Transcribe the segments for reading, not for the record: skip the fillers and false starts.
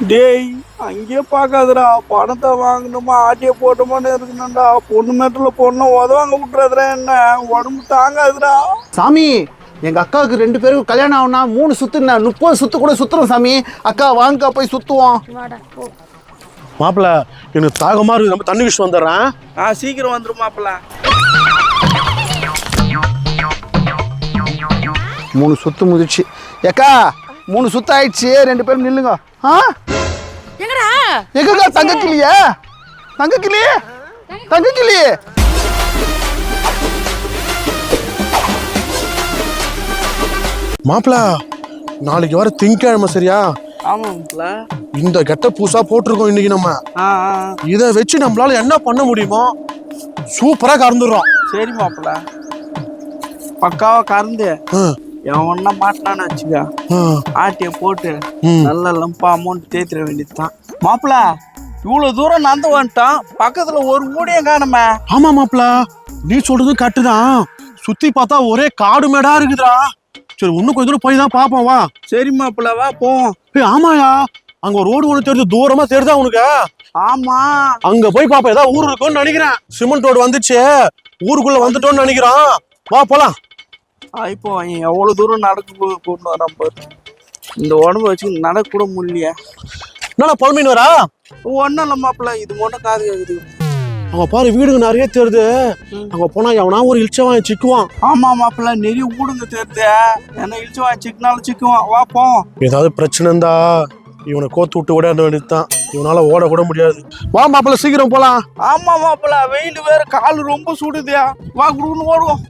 டேய் அங்கேயே பார்க்காதடா, பணத்தை வாங்கணுமா ஆட்டிய போட்டோமான்னு இருக்கணும்டா. பொண்ணு மேட்டில் பொண்ணை உதவாங்க விட்டுறதுடா, என்ன உடம்பு தாங்காதுடா. சாமி எங்க அக்காவுக்கு 2 பேருக்கு கல்யாணம் ஆகுனா 3 சுத்து 30 சுத்து கூட சுத்துறோம் சாமி. அக்கா வாங்கக்கா போய் சுத்துவோம். மாப்பிள்ள எனக்கு தாகமா இருக்கு, நம்ம தண்ணி விஷயம் வந்துடுறேன். சீக்கிரம் வந்துடும் மாப்பிள்ள. 3 சுத்து முதிச்சு ஏக்கா 3 சுத்து ஆயிடுச்சு. 2 பேரும் நில்லுங்க. எங்கடா எங்கக்கா தங்கக்கிளியா? தங்கக்கிளி தங்கக்கிளி மாப்பிள்ள நாளைக்கு வர திங்கக்கிழமை சரியா? ஆமா மாப்பிள்ள. இந்த கெட்ட பூசா போட்டிருக்கோம் இன்னைக்கு. நம்ம இதை வச்சு நம்மளால என்ன பண்ண முடியுமோ சூப்பரா கறந்துடுறோம். சரி மாப்பிள்ள, பக்காவா கறந்து எவன்னா மாட்டினான்னு வச்சுக்க, ஆட்டிய போட்டு நல்ல லம்பா அமௌண்ட் தேய்த்திர வேண்டியதுதான் மாப்பிள்ள. இவ்வளவு தூரம் நடந்து வந்துட்டான், பக்கத்துல ஒரு மூடியும் காணுமே. ஆமா மாப்பிள்ள, நீ சொல்றது கரெக்டுதான். சுத்தி பார்த்தா ஒரே காடு மேடா இருக்குதுடா. சரி இன்னும் கொஞ்சம் தூரம் போய் தான் பாப்போம் வா. சரி மாப்பிள்ள வா போவோம். ஆமாயா, அங்க ஒரு ரோடு ஒண்ணு தெரியுது, தூரமா தெரியுதா உனக்கு? ஆமா, அங்க போய் பாப்போம். ஏதாவது ஊர் இருக்கும்னு நினைக்கிறேன். சிமெண்ட் ரோடு வந்துச்சு, ஊருக்குள்ள வந்துட்டோம்னு நினைக்கிறோம். வா போலாம். இப்போ எவ்வளவு தூரம் நடக்க கொண்டு வரான் பாரு. இந்த உடம்பு வச்சு நடக்க கூட முடியலையா? என்னடா பழமீன் வரா? ஒன்னும் இல்ல மாப்பிள்ள, இது மட்டும் காது கேக்குது. அங்க பாரு வீடுங்க நிறைய தெரியுது. அங்க போனா எவனா ஒரு இழிச்சவன் சிக்குவான். ஆமா மாப்பிள்ள, நிறைய ஊடுங்க தெரியுது. என்ன இழிச்சுவான் சிக்கினாலும் சிக்குவான். வா போவோம். ஏதாவது பிரச்சனை இருந்தா இவனை கோத்து விட்டு ஓட வேண்டியதுதான். இவனால ஓட கூட முடியாது. வா மாப்பிள்ள சீக்கிரம் போலாம். ஆமா மாப்பிள்ள, வெயில் வேற, கால் ரொம்ப சுடுதியா. வா குடுன்னு ஓடுவோம்.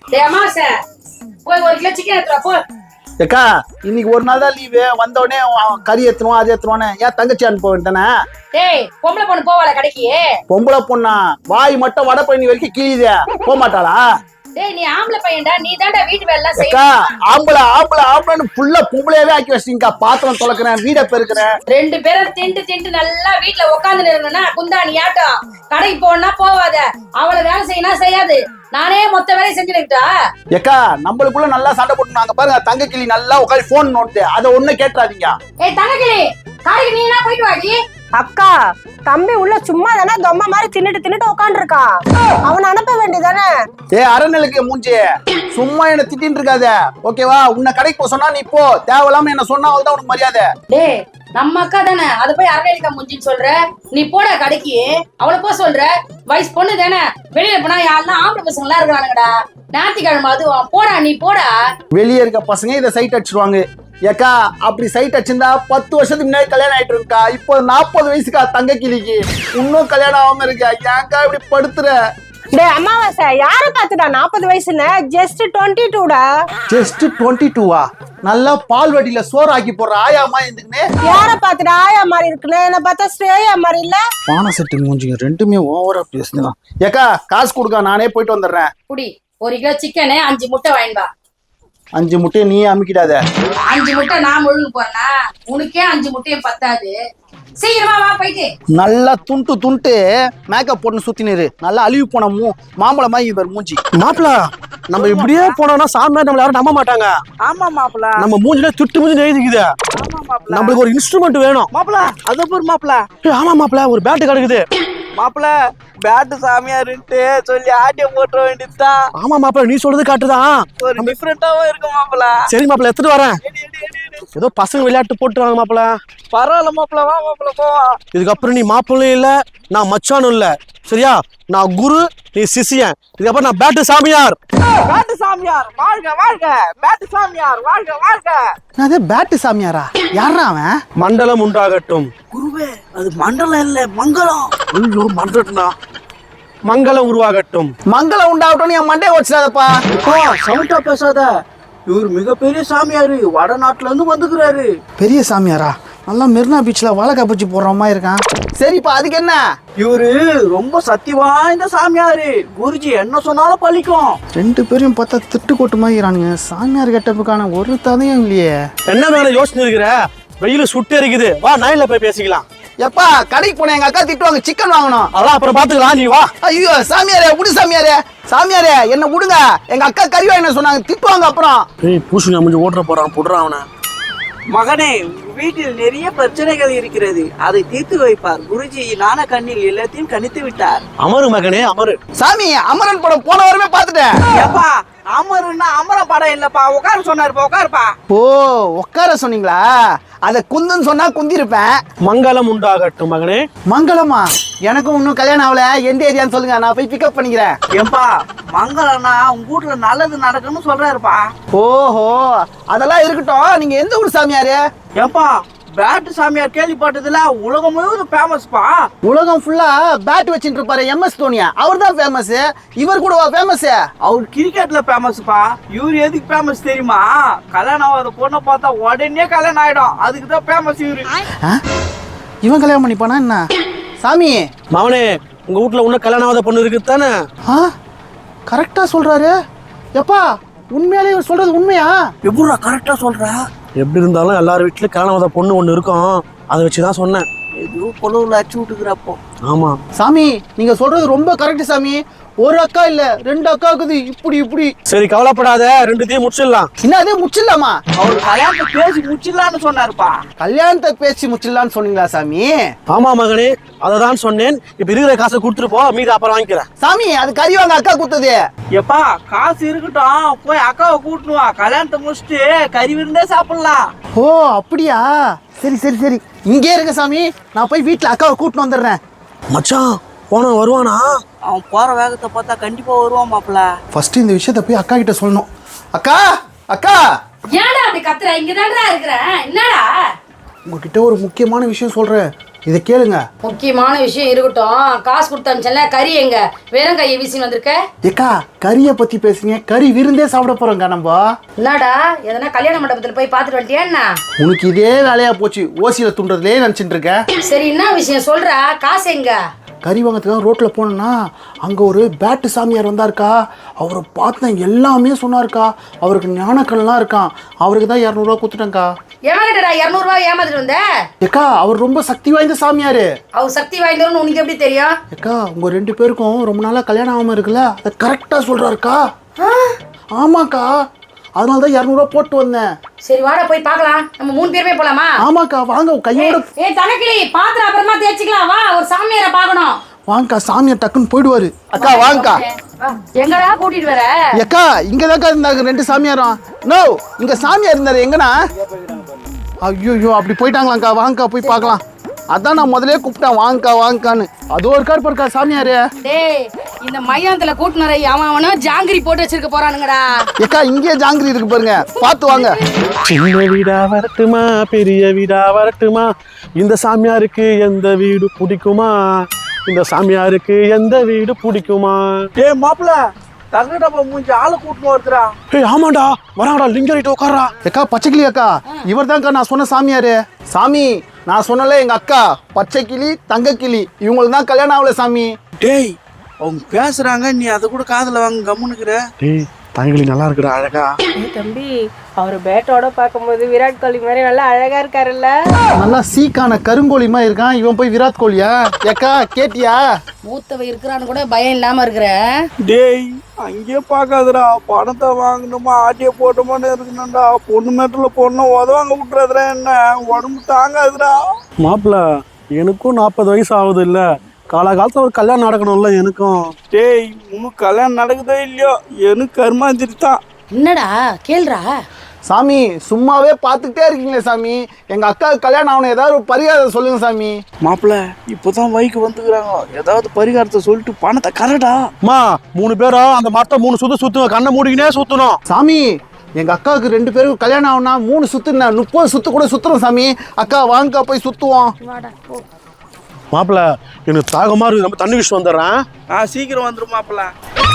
போய் 1 கிலோ சிக்கன் எடுத்துவா போ. ஏக்கா இன்னைக்கு ஒரு நாள் தான் லீவு, வந்த உடனே கறி ஏத்துருவோம் அது ஏத்துருவானே. ஏன் தங்கச்சி அனுப்ப வேண்டானே? டேய் பொம்பளை பொண்ணு போவாள கடைக்கு? பொம்பளை பொண்ணா? வாய் மட்டும் வடை பண்ணி வரைக்கும் கீழிதே, போக மாட்டாளா? டேய் நீ ஆம்பளை பையன்டா, நீ தான்டா வீட்டு வேலை எல்லாம் அக்கா செய்யணும். ஆம்பளை ஆம்பளை ஆம்பளைன்னு ஃபுல்லா பொம்பளையாவே ஆக்கி வச்சிட்டீங்கக்கா. பாத்திரம் துலக்கிறேன், வீடை பெருக்கிறேன். 2 பேரும் திண்டு நல்லா வீட்டுல உட்காந்து நிறணும்னா குந்தாணி ஆட்டம். கடைக்கு போனா போவாத, அவளை வேலை செய்யணும் செய்யாது. நானே மொத்த வேலையை செஞ்சுக்கிட்டா. ஏக்கா நம்மளுக்குள்ள நல்லா சண்டை போட்டு நாங்க பாருங்க. தங்கக்கிளி நல்லா உட்காந்து போன் நோட்டு, அதை ஒண்ணு கேட்டுறாதீங்க. ஏய் தங்கக்கிளி, காலைக்கு நீ என்ன போயிட்டு வாடி. அக்கா தம்பி உள்ள சும்மா தானே தொம்மை மாதிரி தின்னுட்டு உட்காந்துருக்கான், அவனை அனுப்ப வேண்டியதானே? அறநிலைக்கு மூஞ்சி, சும்மா என்ன திட்டின்னு இருக்காத ஓகேவா? உன்னை கடைக்கு போக சொன்னா நீ போ, தேவையில்லாம என்ன சொன்னா அவள்தான் உனக்கு மரியாதை. டேய் நம்ம அக்கா தானே, அத போய் அரவேலிக்கா முஞ்சின்னு சொல்ற. நீ போட கடைக்கு, அவளை போக சொல்ற. வயசு பொண்ணு தானே, வெளியில போனா யாருன்னா ஆம்பளை பசங்க எல்லாம் இருக்கிறானுங்கடா. ஞாயிற்றுக்கிழமை அதுவும் போடா, நீ போடா. வெளியே இருக்க பசங்க இதை சைட் அடிச்சிருவாங்க. ஏக்கா அப்படி சைட் அடிச்சிருந்தா 10 வருஷத்துக்கு முன்னாடி கல்யாணம் ஆயிட்டு இருக்கா. இப்போ 40 வயசுக்கா தங்க கிளிக்கு, இன்னும் கல்யாணம் ஆகாம இருக்கா. ஏன்க்கா இப்படி படுத்துற? டேய் அம்மாவாசை, யார பாத்துடா 40 வயசுன்னு? ஜஸ்ட் 22டா. ஜஸ்ட் 22வா? நல்லா பால் வட்டியில சோறு ஆக்கி போடுற ஆயாமா எதுக்குன்னு? யார பாத்துடா ஆயா மாதிரி இருக்குன்னு? என்ன பார்த்தா ஸ்ரேயா மாதிரி இல்ல? பானை செட்டு மூஞ்சிங்க ரெண்டுமே ஓவரா பேசுனா. ஏக்கா காசு கொடுக்க, நானே போயிட்டு வந்துடுறேன். குடி 1 கிலோ சிக்கனு 5 முட்டை வாங்கிட்டு வா. 5 முட்டையை நீ அமுக்கிடாத. 5 முட்டை நான் முழுங்க போறேன்னா உனக்கே 5 முட்டையும் பத்தாது. சீக்கிரமா வா போயிட்டு. நல்லா துண்டு மேக்கப் போட்டு சுத்தினரு, நல்லா அழிவு போன மாம்பழமா இவர் மூஞ்சி. மாப்பிள்ள நம்ம இப்படியே போனோம்னா சாமியார் நம்மள யாரும் நம்ப மாட்டாங்க. ஆமா மாப்பிள்ள, நம்ம மூஞ்சில திட்டு மூஞ்சி எழுதிக்குது. ஆமா மாப்பிள்ள, நம்மளுக்கு ஒரு இன்ஸ்ட்ருமெண்ட் வேணும் மாப்பிள்ள. அத போர் மாப்பிள்ள. ஆமா மாப்பிள்ள, ஒரு பேட்டு கிடக்குது மாப்பிள்ள. பேட்டு சாமியாருன்ட்டு சொல்லி ஆட்டிய போட்டுற வேண்டியதுதான். ஆமா மாப்பிள்ள, நீ சொல்றது காட்டுதான், ஒரு டிஃபரெண்டாவும் இருக்கும் மாப்பிள்ள. சரி மாப்பிள்ள எடுத்துட்டு வரேன். ஏதோ பசங்க விளையாட்டு போட்டுருவாங்க மாப்பிள்ள. பரவாயில்ல மாப்பிள்ள, வா மாப்பிள்ள போவோம். இதுக்கப்புறம் நீ மாப்பிள்ளையும் இல்ல, நான் மச்சானும் இல்ல சரியா? நான் குரு, நீ சிஷியன். இதுக்கப்புறம் நான் பேட்டு சாமியார். பேட்டு சாமியார் வாழ்க வாழ்க, பேட்டு சாமியார் வாழ்க வாழ்க. அது பேட்டு சாமியாரா? யாரா அவன்? மண்டலம் உண்டாகட்டும். குருவே, அது மண்டலம் இல்ல மங்களம். ஐயோ மண்டலம்னா மங்களம் உருவாகட்டும். மங்களம் உண்டாகட்டும். என் மண்டையை வச்சிடாதப்பா. சவுண்டா பேசாத. இவர் மிகப்பெரிய சாமியாரு, வடநாட்டுல இருந்து வந்துக்கிறாரு. பெரிய சாமியாரா? நல்லா மெரினா பீச்ல வாழை காப்பிச்சு போடுற மாதிரி இருக்கான். சரிப்பா அதுக்கு என்ன? இவரு ரொம்ப சக்தி வாய்ந்த சாமியாரு. குருஜி என்ன சொன்னாலும் பழிக்கும். 2 பேரையும் பார்த்தா திட்டு கொட்டு மாதிரிறானுங்க. சாமியார் கெட்டப்புக்கான ஒரு ததையும் இல்லையே. என்ன மேல யோசனை இருக்கிற? வெயில சுட்டு இருக்குது. வா நைன்ல போய் பேசிக்கலாம். எப்பா கடைக்கு போன எங்க அக்கா திட்டுவாங்க, சிக்கன் வாங்கணும். அதான் அப்புறம் பாத்துக்கலாம், நீ வா. ஐயோ சாமியாரே விடு சாமியாரே, சாமியாரே என்ன விடுங்க. எங்க அக்கா கறி வாங்கின சொன்னாங்க, திட்டுவாங்க அப்புறம். ஏய் பூசுங்க முடிஞ்சு ஓட்டுற போறான், புடுறான் அவனை. மகனே, உங்க வீட்டில் நிறைய பிரச்சனைகள் இருக்கிறது, அதை தீர்த்து வைப்பார் குருஜி. ஞான கண்ணில் எல்லாத்தையும் கணித்து விட்டார். அமரு மகனே அமரு. சாமி அமரன் படம் போன வாரமே பார்த்துட்டேன். ஏப்பா, அமருன்னா அமர படம் இல்லப்பா, உட்கார சொன்னாருப்பா, உட்காருப்பா. ஓ உட்கார சொன்னீங்களா? அத குந்துன்னு சொன்னா குந்திருப்பேன். மங்களம் உண்டாகட்டும் மகனே. மங்களமா? எனக்கும் இன்னும் கல்யாணம் ஆகல. எந்த ஏரியான்னு சொல்லுங்க, நான் போய் பிக்கப் பண்ணிக்கிறேன். ஏப்பா, மங்களம்னா உங்க வீட்டுல நல்லது நடக்குன்னு சொல்றாருப்பா. ஓஹோ, அதெல்லாம் இருக்கட்டும். நீங்க எந்த ஊர் சாமியாரு? ஏப்பா, பேட்டு சாமியார் கேள்விப்பட்டதுல உலகம் முழுவதும் ஃபேமஸ்ப்பா. உலகம் ஃபுல்லா பேட் வச்சுட்டு இருப்பாரு MS தோனியா, அவர் தான் ஃபேமஸ். இவர் கூடவா ஃபேமஸ்? அவர் கிரிக்கெட்ல ஃபேமஸ்ப்பா. இவரு எதுக்கு ஃபேமஸ் தெரியுமா? கல்யாணம் ஆகாத பொண்ணை பார்த்தா உடனே கல்யாணம் ஆயிடும், அதுக்கு தான் ஃபேமஸ் இவரு. இவன் கல்யாணம் பண்ணிப்பானா என்ன? சாமி மகனே, உங்க வீட்டுல இன்னும் கல்யாணம் ஆகாத பொண்ணு இருக்கு தானே? கரெக்டா சொல்றாரு. எப்பா, உண்மையாலே இவர் சொல்றது உண்மையா? எப்படா கரெக்டா சொல்ற? எப்படி இருந்தாலும் எல்லார் வீட்லயும் கல்யாணம் ஆகாத பொண்ணு ஒண்ணு இருக்கும், அதை வச்சுதான் சொன்னேன். எதுவும் பொழுவுல அச்சு விட்டுக்கிறப்போ. ஆமா சாமி, நீங்க சொல்றது ரொம்ப கரெக்ட் சாமி. ஒரு அக்கா இல்ல, 2 அக்கா இருக்குது. இப்படி சரி, கவலைப்படாத, ரெண்டுத்தையும் முடிச்சிடலாம். என்னதே முச்சிடலாமா? அவர் கல்யாணத்தை பேசி முடிச்சிடலான்னு சொன்னாருப்பா. கல்யாணத்தை பேசி முச்சிடலான்னு சொன்னீங்களா சாமி? ஆமா மகனே, அததான் சொன்னேன். இப்ப இருக்கிற காசை கொடுத்துட்டு போ, மீதி அப்புறம் வாங்கிக்கிறேன். சாமி, அது கறி வாங்க அக்கா குத்துது. எப்பா, காசு இருக்கட்டும், போய் அக்காவை கூட்டணும் வா. கல்யாணத்தை முடிச்சுட்டு கறி விருந்தே சாப்பிடலாம். ஓ அப்படியா? சரி சரி சரி, இங்கே இருங்க சாமி, நான் போய் வீட்டுல அக்காவை கூட்டின்னு வந்துடுறேன். மச்சான், போன வருவானா? அவன் போற வேகத்தை பார்த்தா கண்டிப்பா வருவான் மாப்பிள்ள. ஃபர்ஸ்ட் இந்த விஷயத்த போய் அக்கா கிட்ட சொல்லணும். அக்கா அக்கா, ஏன்டா அப்படி கத்துற? இங்கதான்டா இருக்கிறேன். என்னடா? உங்ககிட்ட ஒரு முக்கியமான விஷயம் சொல்றேன், இதை கேளுங்க. முக்கியமான விஷயம் இருக்கட்டும். காசு கொடுத்தாச்சல, கறி எங்க? வெறும் கையை வீசின்னு வந்திருக்க? ஏக்கா, கறியை பத்தி பேசுங்க. கறி விருந்தே சாப்பிட போறோங்க நம்ம. என்னடா, எதனா கல்யாண மண்டபத்துல போய் பாத்துட்டு வந்துட்டியா என்ன? உனக்கு இதே வேலையா போச்சு, ஓசியில துண்டுறதுலே நினைச்சிட்டு இருக்க. சரி, என்ன விஷயம் சொல்ற? காசு எங்க? கறி வாங்கிறதுக்காக ரோட்ல போனோம்னா அங்க ஒரு பேட்டு சாமியார் வந்தாருக்கா. அவரை பார்த்தேன், எல்லாமே சொன்னாருக்கா. அவருக்கு ஞானக்கல்லாம் இருக்கான். அவருக்கு தான் 200 ரூபா கொடுத்துட்டேங்க்கா. ஏமாட்டடா 200 ரூபாய் ஏமாத்திட்டு வந்த? ஏக்கா, அவர் ரொம்ப சக்தி வாய்ந்த சாமியாரு. அவர் சக்தி வாய்ந்தவர்னு உனக்கு எப்படி தெரியும்? ஏக்கா, உங்க 2 பேருக்கும் ரொம்ப நாளா கல்யாணம் ஆகாம இருக்குல்ல, அதை கரெக்டா சொல்றாருக்கா. ஆமாக்கா, அதனால தான் 200 ரூபா போட்டு வந்தேன். சரி, வாடா போய் பார்க்கலாம். நம்ம 3 பேருமே போலாமா? ஆமாக்கா, வாங்க கையோட. ஏய் தனக்கிளி, பாத்திரம் அப்புறமா தேய்ச்சிக்கலாம். வா, ஒரு சாமியாரை பார்க்கணும். வாங்கக்கா, சாமியார் டக்குன்னு போயிடுவாரு. அக்கா வாங்கக்கா. எங்கடா கூட்டிட்டு வர? ஏக்கா, இங்கதாக்கா இருந்தாங்க 2 சாமியாரும். நோ, இங்க சாமியார் இருந்தாரு. எங்கண்ணா? ஐயோ, அப்படி போயிட்டாங்களாக்கா. வாங்கக்கா, போய் பார்க்கலாம். அதான் நான் முதலே கூப்பிட்டேன், வாங்கக்கா வாங்கக்கான்னு. அதோ இருக்காரு பாருக்கா சாமியாரு. டேய், இந்த மையானத்துல கூட்டுனரை அவனும் ஜாங்கிரி போட்டு வச்சிருக்க போறானுங்கடா. ஏக்கா, இங்கே ஜாங்கிரி இருக்கு பாருங்க, பார்த்து வாங்க. சின்ன வீடா வரட்டுமா, பெரிய வீடா வரட்டுமா, இந்த சாமியாருக்கு எந்த வீடு பிடிக்குமா, இந்த சாமியாருக்கு எந்த வீடு பிடிக்குமா? ஏய் மாப்பிள்ள, தங்கடப்பா மூஞ்சி ஆளை கூட்டின்னு வருதுடா. ஏய் ஆமாண்டா, வராங்கடா, லிங்கரிட்டு உட்காரா. ஏக்கா, பச்சைக்கிளி அக்கா, இவர் தான்க்கா நான் சொன்ன சாமியாரு. சாமி, நான் சொன்னல எங்க அக்கா பச்சைக்கிளி தங்கக்கிளி, இவங்களுக்கு தான் கல்யாணம் ஆகல சாமி. டேய், அவங்க பேசுறாங்க, நீ அதை கூட காதுல வாங்க கம்முனுக்குற. டேய், தங்கலி நல்லா இருக்குடா, அழகா. தம்பி, அவர் பேட்டோட பார்க்கும்போது விராட் கோலி மாதிரி நல்லா அழகா இருக்காருல்ல. நல்லா சீக்கான கருங்கோழிமா இருக்கான். இவன் போய் விராட் கோலியா? ஏக்கா, கேட்டியா? மூத்தவ இருக்கிறான்னு கூட பயம் இல்லாம இருக்கிற. டேய், அங்கேயே பார்க்காதடா, பணத்தை வாங்கணுமா ஆட்டிய போட்டோமான்னு இருக்கணும்டா. பொண்ணு மேட்டில் பொண்ணை உதவாங்க விட்டுறதுடா, என்ன உடம்பு தாங்காதுடா. மாப்பிள்ள, எனக்கும் 40 வயசு ஆகுது இல்ல, காலகாலத்துல ஒரு கல்யாணம் நடக்கணும்ல எனக்கும். டேய், உனக்கு கல்யாணம் நடக்குதோ இல்லையோ, எனக்கு கர்மாந்திரி தான். என்னடா கேள்றா? சாமி, சும்மாவே பார்த்துக்கிட்டே இருக்கீங்களே சாமி. எங்க அக்காவுக்கு கல்யாணம் ஆகணும், ஏதாவது ஒரு பரிகாரம் சொல்லுங்க சாமி. மாப்பிள்ள, இப்போதான் வைக்கு வந்துக்கிறாங்க, ஏதாவது பரிகாரத்தை சொல்லிட்டு பணத்தை கரடா. மா, 3 பேரும் அந்த மரத்தை 3 சுத்துவோம், கண்ணை மூடிக்கினே சுத்தணும். சாமி, எங்க அக்காவுக்கு 2 பேருக்கு கல்யாணம் ஆகும்னா 3 சுத்து 30 சுத்து கூட சுத்துறோம் சாமி. அக்கா வாங்கக்கா, போய் சுத்துவோம். மாப்பிள்ள, எனக்கு தாகமா இருக்கு, நம்ம தண்ணி விஷயம் வந்துடுறேன். சீக்கிரம் வந்துடும் மாப்பிள்ள.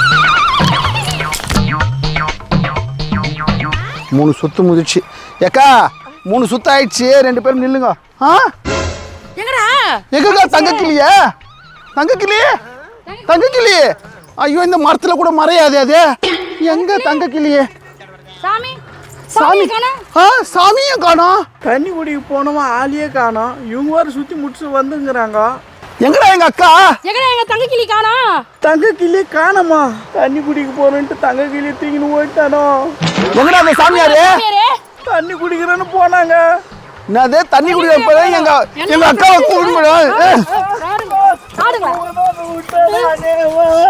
3 சுத்து முதிச்சு. ஏக்கா, 3 சுத்து ஆயிடுச்சு, 2 பேரும் நில்லுங்க. எங்கடா? எங்கக்கா தங்கக்கிளியா? தங்கக்கிளி. ஐயோ, இந்த மரத்துல கூட மறையாது அது. எங்க தங்கக்கிளியே? சாமி, சாமி, சாமியும் காணோம். தண்ணி குடிக்கு போனோமா ஆளியே காணோம். இவங்க வேறு சுற்றி முடிச்சு வந்துங்கிறாங்க. எங்கடா எங்க அக்கா? எங்கடா எங்க தங்க கிளி காணோம்? தங்க கிளி காணோமா? தண்ணி குடிக்க போறேன்ட்டு தங்க கிளி தூக்கின்னு போயிட்டானோ. எங்கடா அந்த சாமியாரு? தண்ணி குடிக்கிறேன்னு போனாங்க. என்னதே தண்ணி குடிக்கிற போய் எங்க அக்காவை கூப்பிட்டு ஆடுங்களா?